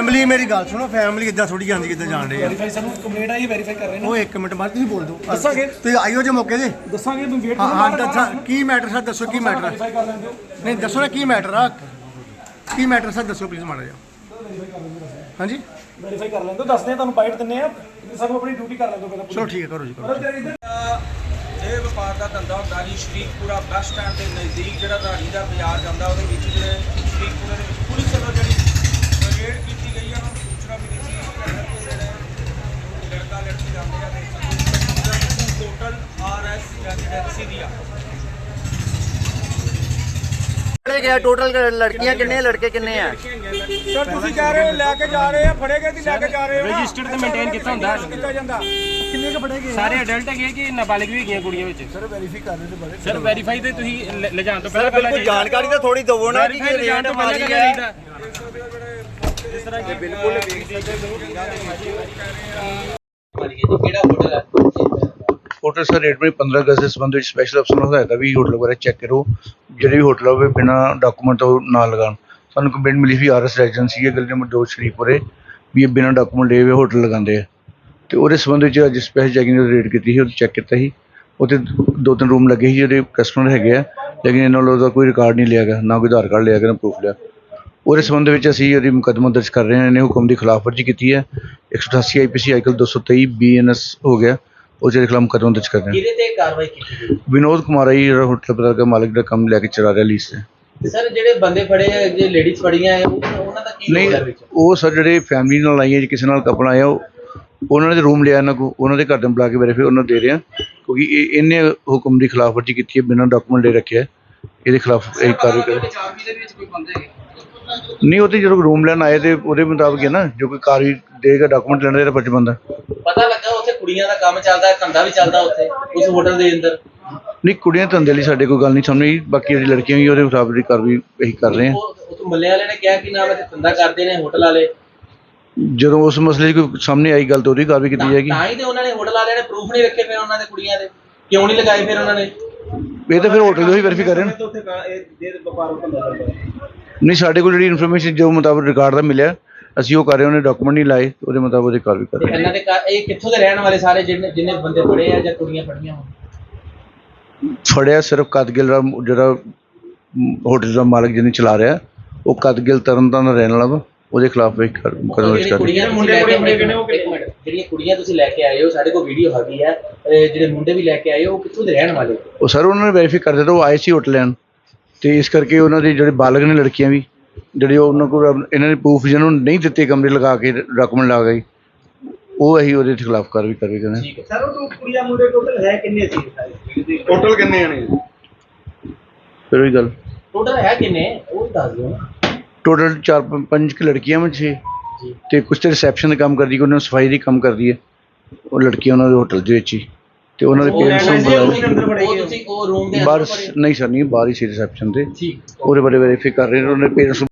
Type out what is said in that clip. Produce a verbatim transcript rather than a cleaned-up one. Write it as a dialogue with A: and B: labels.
A: Family मेरी गल सुनो फैमिली इदा थोड़ी आती किदा जान रही
B: ਵੈਰੀਫਾਈ ਸਾਨੂੰ ਕੰਪਲੇਂਟ ਆਈ ਵੈਰੀਫਾਈ ਕਰ ਰਹੇ ਨੇ
A: वो एक मिनट बाद तुसीं बोल दो
B: दस्सांगे।
A: तुसीं आइयो जे मौके ते
B: ਦੱਸਾਂਗੇ ਤੁਸੀਂ ਵੇਟ
A: हाँ हाँ दसा की मैटर सर दसो की मैटर
B: ਵੈਰੀਫਾਈ ਕਰ ਲੈਂਦੇ ਹੋ
A: नहीं दसो ना की मैटर आ की मैटर सर दसो प्लीज माड़ा जा हाँ जी
B: ਵੈਰੀਫਾਈ ਕਰ ਲੈਂਦੇ ਹੋ ਦੱਸਦੇ ਆ ਤੁਹਾਨੂੰ ਬਾਈਟ ਦਿੰਨੇ ਆ ਸਾਨੂੰ ਆਪਣੀ ਡਿਊਟੀ ਕਰ ਲੈਂਦੇ ਹੋ ਪਹਿਲਾਂ
A: चलो ठीक है करो जी करो
C: ਇਹ ਵਪਾਰ ਦਾ ਧੰਦਾ ਹੁੰਦਾ ਜੀ ਸ਼ਰੀਕਪੁਰਾ ਬੱਸ ਸਟੈਂਡ ਦੇ ਨਜ਼ਦੀਕ ਜਿਹੜਾ ਰਾਣੀ ਦਾ ਬਾਜ਼ਾਰ ਜਾਂਦਾ ਉਹਦੇ ਵਿੱਚ ਜਿਹੜੇ ਸ਼ਰੀਕਪੁਰੇ ਦੇ ਵਿੱਚ ਪੁਲਿਸ ਵੱਲੋਂ ਜਿਹੜੀ ਰੇਡ ਕੀਤੀ ਗਈ ਆ ਉਹਨਾਂ ਨੂੰ ਸੂਚਨਾ ਮਿਲੀ ਸੀ ਕਿ ਜਿਹੜੇ ਲੜਕਾ ਲੜਕੀ ਜਾਂਦੇ ਆ ਤੇ ਟੋਟਲ ਆਰ ਐਸ ਯਾਨੀ ਟੈਕਸੀ ਦੀ ਆ
D: गया टोटल लड़कियां कितने लड़के कितने हैं
B: ਸਰ ਤੁਸੀਂ ਕਹਿ ਰਹੇ ਹੋ ਲੈ ਕੇ ਜਾ ਰਹੇ ਆ ਫੜੇ ਗਏ ਤੇ ਲੈ ਕੇ ਜਾ ਰਹੇ ਹੋ
E: ਰਜਿਸਟਰਡ ਤੇ ਮੇਨਟੇਨ ਕੀਤਾ ਹੁੰਦਾ
B: ਕੀਤਾ ਜਾਂਦਾ
A: किन्ने के फड़े गए
E: ਸਾਰੇ ਅਡਲਟ ਹੈਗੇ ਕਿ ਨਾਬਾਲਿਗ ਵੀ ਹੈਗੀਆਂ ਕੁੜੀਆਂ ਵਿੱਚ
A: सर वेरीफाई कर रहे थे
E: ਸਰ ਵੈਰੀਫਾਈ ਤੇ ਤੁਸੀਂ ਲ- ਲਿਜਾਣ ਤੋਂ ਪਹਿਲਾਂ ਪਹਿਲਾਂ
D: कोई जानकारी तो थोड़ी दवो ना कि ये रेट मारी है
E: ਜਿਸ ਤਰ੍ਹਾਂ ਕਿ ਬਿਲਕੁਲ
F: ਹੋਟਲ ਸਰ ਰੇਟ ਵਿੱਚ ਪੰਦਰਾਂ ਅਗਸਤ ਦੇ ਸੰਬੰਧ ਵਿੱਚ ਸਪੈਸ਼ਲ ਅਫਸਰ ਨੂੰ ਹਦਾਇਤ ਵੀ ਹੋਟਲ ਬਾਰੇ ਚੈੱਕ ਕਰੋ ਜਿਹੜੇ ਵੀ ਹੋਟਲ ਹੋਵੇ ਬਿਨਾਂ ਡਾਕੂਮੈਂਟ ਤੋਂ ਨਾ ਲਗਾਉਣ ਸਾਨੂੰ ਕੰਪਲੇਂਟ ਮਿਲੀ ਸੀ ਆਰ ਐਸ ਰੈਜੀਡੈਂਸੀ ਹੈ ਗਲੀ ਨੰਬਰ ਦੋ ਸ਼ਰੀਫਪੁਰੇ ਵੀ ਇਹ ਬਿਨਾਂ ਡਾਕੂਮੈਂਟ ਲਏ ਹੋਏ ਹੋਟਲ ਲਗਾਉਂਦੇ ਆ ਤੇ ਉਹਦੇ ਸੰਬੰਧ ਵਿੱਚ ਅੱਜ ਸਪੈਸ਼ਲ ਚੈਕਿੰਗ ਦੀ ਰੇਡ ਕੀਤੀ ਸੀ ਉਹ ਚੈੱਕ ਕੀਤਾ ਸੀ ਉੱਥੇ ਦੋ ਤਿੰਨ ਰੂਮ ਲੱਗੇ ਸੀ ਜਿਹੜੇ ਕਸਟਮਰ ਹੈਗੇ ਆ ਲੇਕਿਨ ਇਹਨਾਂ ਵੱਲੋਂ ਉਹਦਾ ਕੋਈ ਰਿਕਾਰਡ ਨਹੀਂ ਲਿਆ ਗਿਆ ਨਾ ਕੋਈ ਆਧਾਰ ਕਾਰਡ ਲਿਆ ਗਿਆ ਨਾ ਪ੍ਰੂਫ ਲਿਆ ਉਹਦੇ ਸੰਬੰਧ ਵਿੱਚ ਅਸੀਂ ਉਹਦੀ ਮੁਕੱਦਮਾ ਦਰਜ ਕਰ ਰਹੇ ਹਾਂ ਇਹਨੇ ਹੁਕਮ ਦੀ ਖਿਲਾਫਵਰਜੀ ਕੀਤੀ ਹੈ ਇੱਕ ਸੌ ਅਠਾਸੀ ਆਈ ਪੀ ਸੀ ਆਈਕਲ ਦੋ ਸੌ ਤੇਈ ਬੀ ਐਨ ਐਸ ਹੋ ਗਿਆ ਉਹਦੇ ਖਿਲਾਫ ਮੁਕੱਦਮਾ ਦਰਜ ਕਰ ਰਹੇ ਹਾਂ
D: किहदे ते कार्रवाई की
F: ਵਿਨੋਦ ਕੁਮਾਰ ਹੈ ਜੀ ਜਿਹੜਾ ਹੋਟਲ ਪਤਾ ਦਾ ਮਾਲਕ ਦਾ ਕੰਮ ਲੈ ਕੇ ਚਲਾ ਰਿਹਾ ਲੀਜ਼ ਤੇ
D: सर जेडे बंदे फड़े हैं जे लेडीज फड़ियां हैं उन्हां दा की
F: ਨਹੀਂ
D: रोल है विच
F: ਉਹ ਸਰ ਜਿਹੜੇ ਫੈਮਿਲੀ ਨਾਲ ਆਈਆਂ ਜੀ ਕਿਸੇ ਨਾਲ ਕਪਲ ਆਇਆ ਉਹ ਉਹਨਾਂ ਨੇ ਰੂਮ ਲਿਆ ਇਹਨਾਂ ਕੋ ਉਹਨਾਂ ਦੇ ਘਰ ਦੇ ਬੁਲਾ ਕੇ ਵੈਰੀਫਾਈ ਉਹਨਾਂ ਨੂੰ ਦੇ ਰਿਹਾ ਕਿਉਂਕਿ ਇਹ ਇਹਨੇ ਹੁਕਮ ਦੀ ਖਿਲਾਫਵਰਜੀ ਕੀਤੀ ਹੈ ਬਿਨਾਂ ਡਾਕੂਮੈਂਟ ਲੈ ਰੱਖਿਆ ਇਹਦੇ ਖਿਲਾਫ ਇਹ ਕਾਰਵਾਈ ਕਰੋ ਨਹੀਂ ਉਹ ਤੇ ਜਦੋਂ ਰੂਮ ਲੈਣ ਆਏ ਤੇ ਉਹਦੇ ਮੁਤਾਬਕ ਹੈ ਨਾ ਜੋ ਕੋਈ ਕਾਰਵਾਈ ਦੇਗਾ ਡਾਕੂਮੈਂਟ ਲੈਣ ਦਾ ਇਹਦਾ ਫਰਜ਼ ਬਣਦਾ
D: पता लगा उत्थे कुड़ियां दा काम चलदा है धंधा भी चलदा उत्थे उस होटल दे अंदर
F: ਨਹੀਂ ਕੁੜੀਆਂ ਧੰਦੇ ਲਈ ਸਾਡੇ ਕੋਈ ਗੱਲ ਨਹੀਂ ਸਾਹਮਣੇ ਬਾਕੀ ਜਿਹੜੀ ਲੜਕੀਆਂ ਵੀ ਉਹਦੇ ਮੁਤਾਬਕ ਦੀ ਕਾਰਵਾਈ ਇਹੀ ਕਰ ਰਹੇ ਹਾਂ
D: ਉਹ ਮੱਲੇ ਵਾਲੇ ਨੇ ਕਿਹਾ ਕਿ ਨਾਮ ਹੈ ਧੰਦਾ ਕਰਦੇ ਨੇ ਹੋਟਲ ਵਾਲੇ
F: ਜਦੋਂ ਉਸ ਮਸਲੇ 'ਚ ਕੋਈ ਸਾਹਮਣੇ ਆਈ ਗੱਲ ਤਾਂ ਉਹਦੀ ਕਾਰਵਾਈ ਕੀਤੀ ਜਾਏਗੀ
D: ਤਾਂ ਹੀ ਤੇ ਉਹਨਾਂ ਨੇ ਹੋਟਲ ਵਾਲਿਆਂ ਨੇ ਪ੍ਰੂਫ ਨਹੀਂ ਰੱਖੇ ਫਿਰ ਉਹਨਾਂ ਦੇ ਕੁੜੀਆਂ ਦੇ ਕਿਉਂ ਨਹੀਂ ਲਗਾਏ ਫਿਰ ਉਹਨਾਂ ਨੇ
F: ਇਹ ਤਾਂ ਫਿਰ ਹੋਟਲ ਦੇ ਹੀ ਵੈਰੀਫਾਈ ਕਰ ਰਹੇ ਨੇ ਨਹੀਂ ਸਾਡੇ ਕੋਲ ਜਿਹੜੀ ਇਨਫੋਰਮੇਸ਼ਨ ਜੋ ਮੁਤਾਬਕ ਰਿਕਾਰਡ ਦਾ ਮਿਲਿਆ ਅਸੀਂ ਉਹ ਕਰ ਰਹੇ ਉਹਨੇ ਡਾਕੂਮੈਂਟ ਨਹੀਂ ਲਾਏ ਉਹਦੇ ਮੁਤਾਬਕ ਉਹਦੀ ਕਾਰਵਾਈ ਕਰ ਰਹੇ
D: ਇਹਨਾਂ ਦੇ ਇਹ ਕਿੱਥੋਂ ਦੇ ਰਹਿਣ ਵਾਲੇ ਸਾਰੇ ਜਿਹਨੇ ਜਿਹਨੇ ਬੰਦੇ ਫੜੇ ਆ ਜਾਂ ਕੁੜੀਆਂ ਫੜੀਆਂ ਹੋਣ
F: ਫੜਿਆ ਸਿਰਫ ਕਦਗਿਲ ਦਾ ਜਿਹੜਾ ਹੋਟਲ ਦਾ ਮਾਲਕ ਜਿਹਨੇ ਚਲਾ ਰਿਹਾ ਉਹ ਕਦਗਿਲ ਤਰਨਤਾਰਨ ਦਾ ਰਹਿਣ ਵਾਲਾ ਵਾ ਉਹਦੇ ਖਿਲਾਫ ਵੀ ਮੁਕੱਦਮਾ ਦਰਜ ਕਰ
D: ਕੁੜੀਆਂ ਮੁੰਡੇ ਮੁੰਡੇ ਕਿਹਨੇ ਉਹ ਜਿਹੜੀਆਂ ਕੁੜੀਆਂ ਤੁਸੀਂ ਲੈ ਕੇ ਆਏ ਹੋ ਸਾਡੇ ਕੋਲ ਵੀਡੀਓ ਹੈਗੀ ਆ ਜਿਹੜੇ ਮੁੰਡੇ ਵੀ ਲੈ ਕੇ ਆਏ ਹੋ ਉਹ ਕਿੱਥੋਂ ਦੇ ਰਹਿਣ ਵਾਲੇ
F: ਉਹ ਸਰ ਉਹਨਾਂ ਨੇ ਵੈਰੀਫਾਈ ਕਰ ਦਿੱਤਾ ਉਹ ਆਏ ਸੀ ਹੋਟਲ ਲੈਣ ਤੇ ਇਸ ਕਰਕੇ ਉਹਨਾਂ ਦੇ ਜਿਹੜੇ ਬਾਲਗ ਨੇ ਲੜਕੀਆਂ ਵੀ ਜਿਹੜੇ ਉਹਨਾਂ ਕੋਲ ਇਹਨਾਂ ਨੇ ਪ੍ਰੂਫ ਜਿਹਨਾਂ ਨੂੰ ਨਹੀਂ ਦਿੱਤੇ ਕਮਰੇ ਲਗਾ ਕੇ ਡਾਕੂਮੈਂਟ ਲਾ ਗਏ ਉਹ ਅਸੀਂ ਉਹਦੇ ਖਿਲਾਫ ਕਾਰਵਾਈ ਕਰ ਰਹੇ ਹਾਂ
B: ਸਰ ਉਹ ਕੁੜੀਆਂ ਮੁੰਡੇ ਟੋਟਲ ਹੈ ਕਿੰਨੇ ਸੀ
A: टोटल किन्ने ने
F: ਫਿਰ ਉਹੀ ਗੱਲ
D: ਟੋਟਲ ਹੈ ਕਿੰਨੇ ਉਹ ਦੱਸ ਦਿਓ ਨਾ
F: ਟੋਟਲ ਚਾਰ ਪੰਜ ਪੰਜ ਕੁ ਲੜਕੀਆਂ ਵਿੱਚ ਛੇ ਤੇ ਕੁਛ ਤੇ ਰਿਸੈਪਸ਼ਨ ਦਾ ਕੰਮ ਕਰਦੀ ਉਹਨਾਂ ਨੂੰ ਸਫਾਈ ਦੀ ਕੰਮ ਕਰਦੀ ਹੈ ਉਹ ਲੜਕੀਆਂ ਉਹਨਾਂ ਦੇ ਹੋਟਲ ਦੇ ਵਿੱਚ ਹੀ ਤੇ ਉਹਨਾਂ ਦੇ ਪੇਰੈਂਟਸ ਨੂੰ ਬੁਲਾਇਆ
D: ਉਹ ਤੁਸੀਂ ਉਹ ਰੂਮ ਦੇ
F: ਬਾਹਰ ਨਹੀਂ ਸਰ ਨਹੀਂ ਬਾਹਰ ਹੀ ਸੀ ਰਿਸੈਪਸ਼ਨ ਤੇ
D: ਠੀਕ
F: ਉਹਦੇ ਬਾਰੇ ਵੈਰੀਫਾਈ ਕਰ ਰਹੇ ਨੇ ਉਹਨਾਂ ਦੇ ਪੇਰੈਂਟਸ